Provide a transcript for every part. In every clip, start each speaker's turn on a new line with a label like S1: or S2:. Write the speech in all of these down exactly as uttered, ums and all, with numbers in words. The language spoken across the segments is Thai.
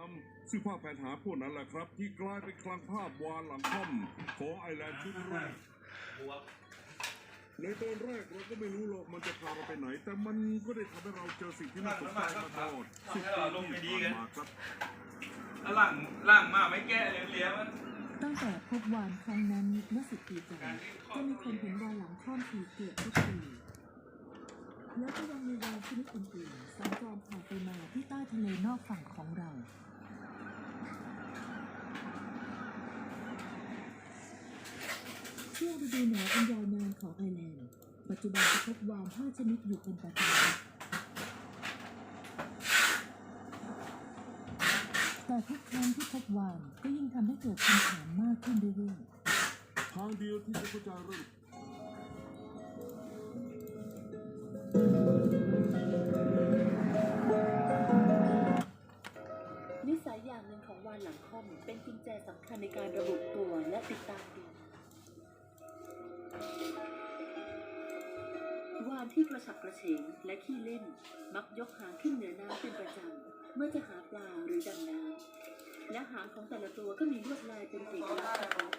S1: ซึ่งภาพแผนหาพวกนั้นแหละครับที่กลายเป็นคลังภาพวานหลังค่อมของไอแลนด์ชุดแรกในตอนแรกเราก็ไม่รู้หรอกมันจะพาเราไปไหนแต่มันก็ได้ทำให้เราเจอสิ่งที่น่าสนใจมาตลอดสิบปีที่ผ่านมาครับ
S2: หลังหลังมาไม่แก้เลี้ยงมัน
S3: ตั้งแต่พบวานครั้งนั้นเมื่อสิบปีก่อนจะมีคนเห็นวานหลังค่อมอีกเกือบทุกปีแล้วก็ยังมีวานชนิดอื่นๆสัญจรผ่านไปมาที่ใต้ทะเลนอกฝั่งของเราช่วงฤดูหนาวอันยาวนานของไอร์แลนด์ปัจจุบันจะพบวานห้าชนิดอยู่เป็นประจำแต่ทุกครั้งที่พบวานก็ยิ่งทำให้เกิดคำถามมากขึ้นเรื่อยๆ
S1: ทางเดียวที่จะเข้าใจเรื่อง
S3: นิสัยอย่างหนึ่งของวาฬหลังค่อมเป็นกุญแจสำคัญในการระบุตัวและติดตามดูวาฬที่กระฉับกระเฉงและขี้เล่นมักยกหางขึ้นเหนือน้ำเป็นประจำเมื่อจะหาปลาหรือดำน้ำและหางของแต่ละตัวก็มีลวดลายเป็นเอกลักษณ์เฉพาะ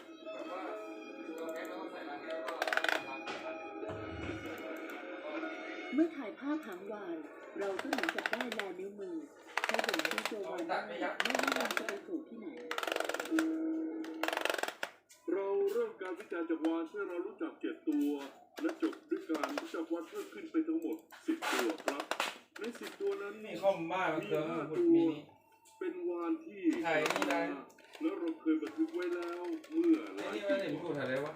S3: เมื่อถ่ายภาพหางวาฬเราก็เหมือนกับได้ลายนิ้วมือให้บ่งชี้ตัววาฬได้ไม่ว่ามันจะไปสู่ที่ไหน
S1: เราเริ่มการวิจัยจากวาฬเมื่อเรารู้จักเจ็ดตัวและจบด้วยการรู้จักวาฬเพิ่มขึ้นไปทั้งหมดสิบตัวครับในสิบตัวนั้นมี
S2: นี่ข้อมบ้ามันเกิน
S1: ห้า
S2: พู
S1: ตั
S2: ด
S1: ว
S2: มี
S1: เป็นวาฬที่
S2: ถ่ายนี่ได้
S1: แล้วเราเคยบันทึกไว้แล้วเมื่อหลาย
S2: นี่
S1: ปี
S2: ไม่ได้พูดอะไรวะ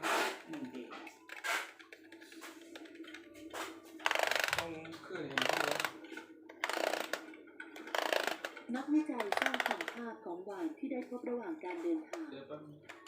S2: ต้องขึ้นเห็นที่วะ
S3: นักวิจัยสร้างพันธุ์ภาพของวาฬที่ได้พบระหว่างการเดินทาง
S2: เดี๋ยวแป๊บ